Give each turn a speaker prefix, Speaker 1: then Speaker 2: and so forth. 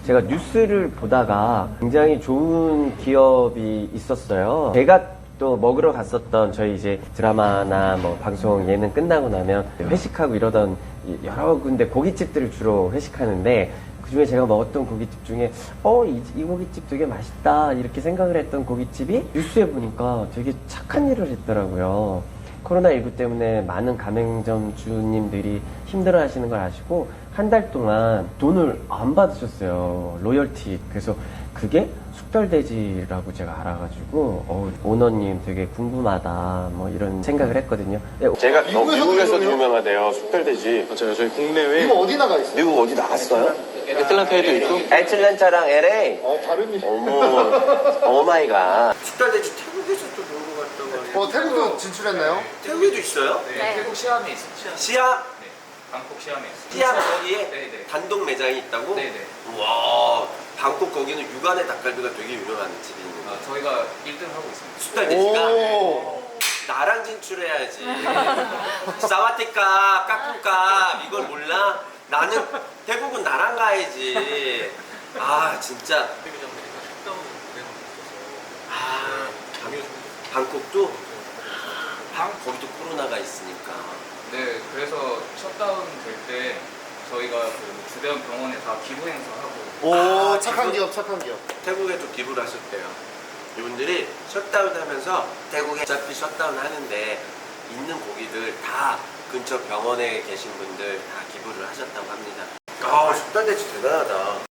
Speaker 1: 제가 뉴스를 보다가 굉장히 좋은 기업이 있었어요. 제가 또 먹으러 갔었던 저희 이제 드라마나 뭐 방송 예능 끝나고 나면 회식하고 이러던 여러 군데 고깃집들을 주로 회식하는데 그중에 제가 먹었던 고깃집 중에 이 고깃집 되게 맛있다 이렇게 생각을 했던 고깃집이 뉴스에 보니까 되게 착한 일을 했더라고요. 코로나19 때문에 많은 가맹점 주님들이 힘들어 하시는 걸 아시고 한 달 동안 돈을 안 받으셨어요. 로열티. 그래서 그게 숙달돼지라고 제가 알아가지고 오너님 되게 궁금하다 뭐 이런 생각을 했거든요. 제가 미국에서도 유명하대요. 숙달돼지.
Speaker 2: 맞아요. 저희 국내외
Speaker 3: 이거 어디 나가 있어요?
Speaker 1: 미국 어디 나갔어요?
Speaker 2: 애틀란타에도 있고.
Speaker 1: 애틀랜타랑 LA.
Speaker 3: 다른 일.
Speaker 1: 어머, 오마이갓. 숙달돼지 태국에서 또 놀고 갔다고 하네요.
Speaker 3: 태국도 진출했나요?
Speaker 1: 태국에도 있어요?
Speaker 4: 네, 태국 시암에 있어요.
Speaker 1: 시아?
Speaker 4: 네, 방콕 시암에 있어요.
Speaker 1: 시아 거기에
Speaker 4: 네네.
Speaker 1: 단독 매장이 있다고?
Speaker 4: 네네.
Speaker 1: 와, 방콕 거기는 육안의 닭갈비가 되게 유명한 집이 있는 거예요.
Speaker 4: 저희가 1등 하고 있습니다.
Speaker 1: 숙달돼지가
Speaker 3: 오.
Speaker 1: 나랑 진출해야지. 사와티카, 까꿍까 이걸 몰라? 나는 태국은 나랑 가야지. 아 진짜. 아 방콕도 거기도 코로나가 있으니까.
Speaker 4: 네, 그래서 셧다운 될 때 저희가 그 주변 병원에 다 기부 행사하고
Speaker 3: 오, 착한 기업, 착한 기업.
Speaker 1: 태국에도 기부를 하셨대요. 이분들이 셧다운 하면서 태국에 어차피 셧다운 하는데 있는 고기들 다 근처 병원에 계신 분들 다 기부를 하셨다고 합니다. 아, 숙달돼지 대단하다.